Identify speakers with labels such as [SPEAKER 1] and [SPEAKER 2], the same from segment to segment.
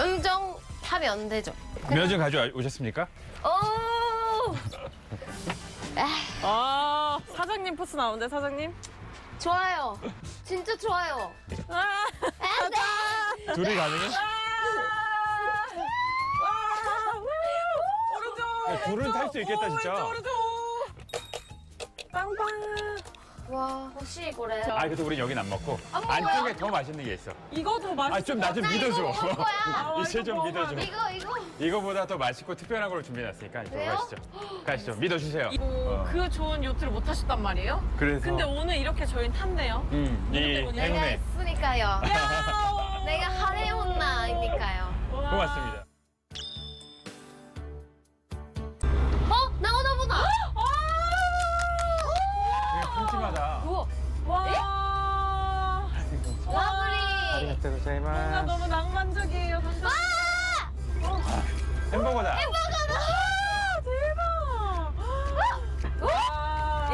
[SPEAKER 1] 운전하면 안 되죠.
[SPEAKER 2] 면허증 가져오셨습니까?
[SPEAKER 1] 오!
[SPEAKER 3] 아, 사장님 포스 나오는데, 사장님?
[SPEAKER 1] 좋아요. 진짜 좋아요.
[SPEAKER 3] 아,
[SPEAKER 1] 안 돼!
[SPEAKER 2] 둘이 가능해?
[SPEAKER 3] 오른쪽!
[SPEAKER 2] 둘은 탈 수 있겠다, 진짜.
[SPEAKER 3] 오른쪽! 빵빵!
[SPEAKER 1] 와, 혹시 그래?
[SPEAKER 2] 아, 그래도 우린 여긴 안 먹고
[SPEAKER 1] 안 먹어요?
[SPEAKER 2] 안쪽에 더 맛있는 게 있어.
[SPEAKER 3] 이거 더 맛있어.
[SPEAKER 2] 아, 좀 나 좀
[SPEAKER 1] 나 이거
[SPEAKER 2] 믿어줘.
[SPEAKER 1] 먹을 거야.
[SPEAKER 2] 이제 좀
[SPEAKER 3] 이거
[SPEAKER 2] 믿어줘.
[SPEAKER 1] 이거.
[SPEAKER 2] 이거보다 더 맛있고 특별한 걸로 준비해놨으니까 이쪽으로
[SPEAKER 1] 그래요?
[SPEAKER 2] 가시죠. 가시죠. 믿어주세요.
[SPEAKER 3] 그 좋은 요트를 못 타셨단 말이에요?
[SPEAKER 2] 그래서
[SPEAKER 3] 근데 오늘 이렇게 저희는 탔네요.
[SPEAKER 2] 이
[SPEAKER 3] 때문이야?
[SPEAKER 1] 내가
[SPEAKER 2] 행운에
[SPEAKER 1] 있으니까요.
[SPEAKER 3] 야!
[SPEAKER 1] 내가 하레온나이니까요.
[SPEAKER 2] 고맙습니다.
[SPEAKER 1] 나오나 보다.
[SPEAKER 2] 되게 큼직하다.
[SPEAKER 1] 우와,
[SPEAKER 3] 와!
[SPEAKER 1] 라브리.
[SPEAKER 3] 뭔가
[SPEAKER 2] 고자이마스.
[SPEAKER 3] 너무 낭만적이에요.
[SPEAKER 2] 햄버거다.
[SPEAKER 3] 대박! 와!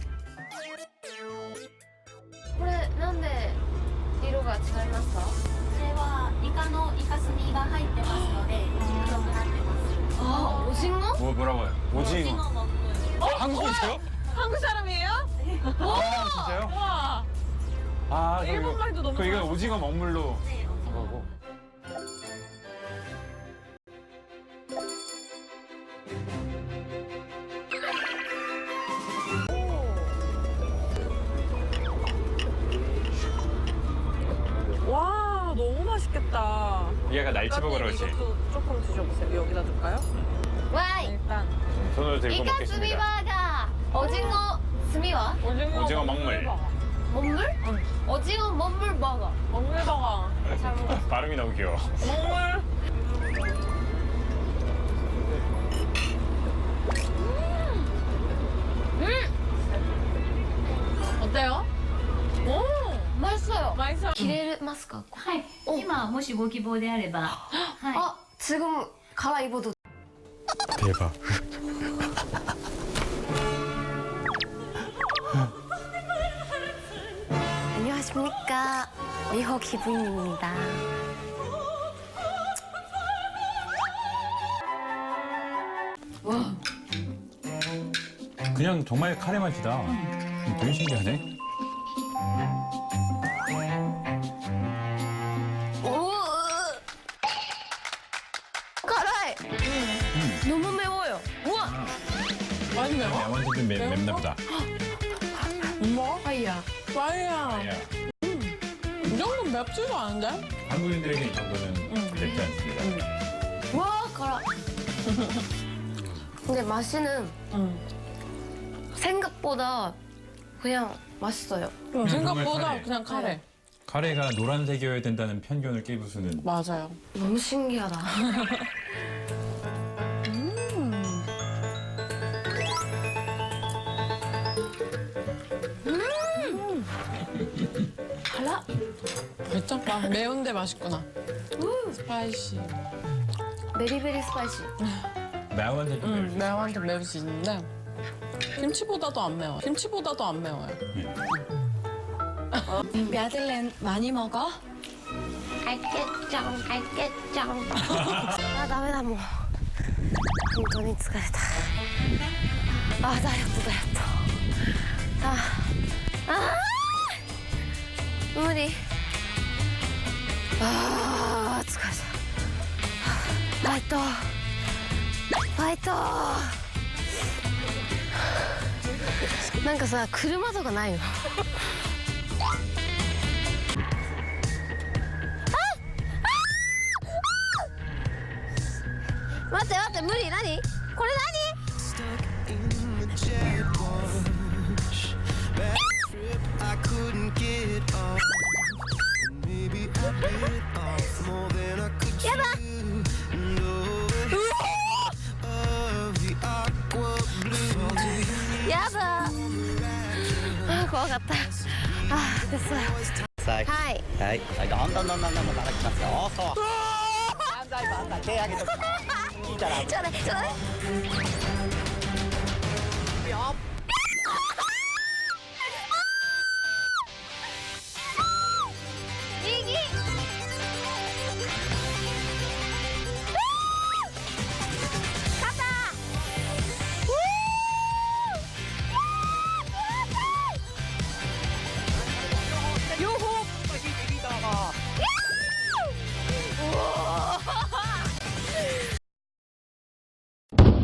[SPEAKER 1] これなんで色が違いますか？
[SPEAKER 4] これはイカのイカスミが入ってますので黒くなってます。
[SPEAKER 1] 아, 오징어?
[SPEAKER 2] 뭐라고요? 오징어.
[SPEAKER 4] 오징어 먹고요.
[SPEAKER 2] 한국이세요?
[SPEAKER 3] 한국 사람이에요?
[SPEAKER 2] 아, 진짜요?
[SPEAKER 3] 와!
[SPEAKER 2] 아, 저
[SPEAKER 3] 일본 말도 너무
[SPEAKER 2] 이건
[SPEAKER 3] 잘하시네.
[SPEAKER 2] 오징어 먹물로
[SPEAKER 4] 네, 오징어.
[SPEAKER 2] 거고.
[SPEAKER 3] 와, 너무 맛있겠다.
[SPEAKER 2] 얘가 날치버거 그러지.
[SPEAKER 3] 이것도 조금 드셔보세요. 여기다 줄까요?
[SPEAKER 1] 와이.
[SPEAKER 3] 일단
[SPEAKER 2] 손으로 들고
[SPEAKER 1] 이카 스미
[SPEAKER 2] 먹겠습니다.
[SPEAKER 1] 버거. 오징어 스미와?
[SPEAKER 2] 오징어 먹물.
[SPEAKER 1] 먹물?
[SPEAKER 3] 응.
[SPEAKER 1] 오징어 먹물 버거.
[SPEAKER 3] 먹물버거.
[SPEAKER 1] 잘 먹었어.
[SPEAKER 2] 발음이 너무 귀여워.
[SPEAKER 3] 먹물. 어때요? 오,
[SPEAKER 1] 맛있어요.
[SPEAKER 3] 맛있어요.
[SPEAKER 1] 切れますか？
[SPEAKER 4] はい。今もしご希望であれば、はい。
[SPEAKER 1] 아, 지금 갈아입어도
[SPEAKER 2] 대박.
[SPEAKER 1] 안녕하십니까. 미호 기분입니다.
[SPEAKER 2] 그냥 정말 카레 맛이다. 되게 신기하네.
[SPEAKER 1] 오! 가라이! 너무 매워요. 우와!
[SPEAKER 3] 많이 매워?
[SPEAKER 2] 완전 좀 맵나 보다.
[SPEAKER 3] 뭐?
[SPEAKER 1] 아이야.
[SPEAKER 3] 와이야. 이 정도는 맵지도 않은데?
[SPEAKER 2] 한국인들에게 이 정도는 맵지 않습니다.
[SPEAKER 1] 와, 가라. 근데 맛이는
[SPEAKER 3] 응.
[SPEAKER 1] 생각보다 그냥 맛있어요.
[SPEAKER 2] 정말
[SPEAKER 3] 생각보다
[SPEAKER 2] 카레.
[SPEAKER 3] 그냥 카레.
[SPEAKER 2] 카레가 노란색이어야 된다는 편견을 깨부수는.
[SPEAKER 3] 맞아요.
[SPEAKER 1] 너무 신기하다.
[SPEAKER 3] 달라? 괜찮다. 매운데 맛있구나. 스파이시.
[SPEAKER 1] 베리베리 스파이시.
[SPEAKER 2] 매운데 좀 맵지.
[SPEAKER 3] 매운데 매울 수 있는데 김치보다도 안 매워. 김치보다도 안 매워요.
[SPEAKER 4] 야들렌 많이 먹어?
[SPEAKER 1] 알겠죠, 알겠죠. 아, 다메다, 뭐. 本当に疲れた. 아, 다이어트. 무리. 아, 疲れた. 파이터. なんかさ、車とかないの？待って待って、無理。何これ何？
[SPEAKER 5] I couldn't get off. Maybe I bit off more than I could chew. Of the aqua blue.
[SPEAKER 1] やだ。あ、怖かった。あ、됐어요。はい。
[SPEAKER 6] はい、どんどんどんどんどん叩きますよ。そう。万歳万歳、手上げとく。いいから。
[SPEAKER 1] ちょうだい、ちょうだい。
[SPEAKER 6] よ。
[SPEAKER 1] 右。 아,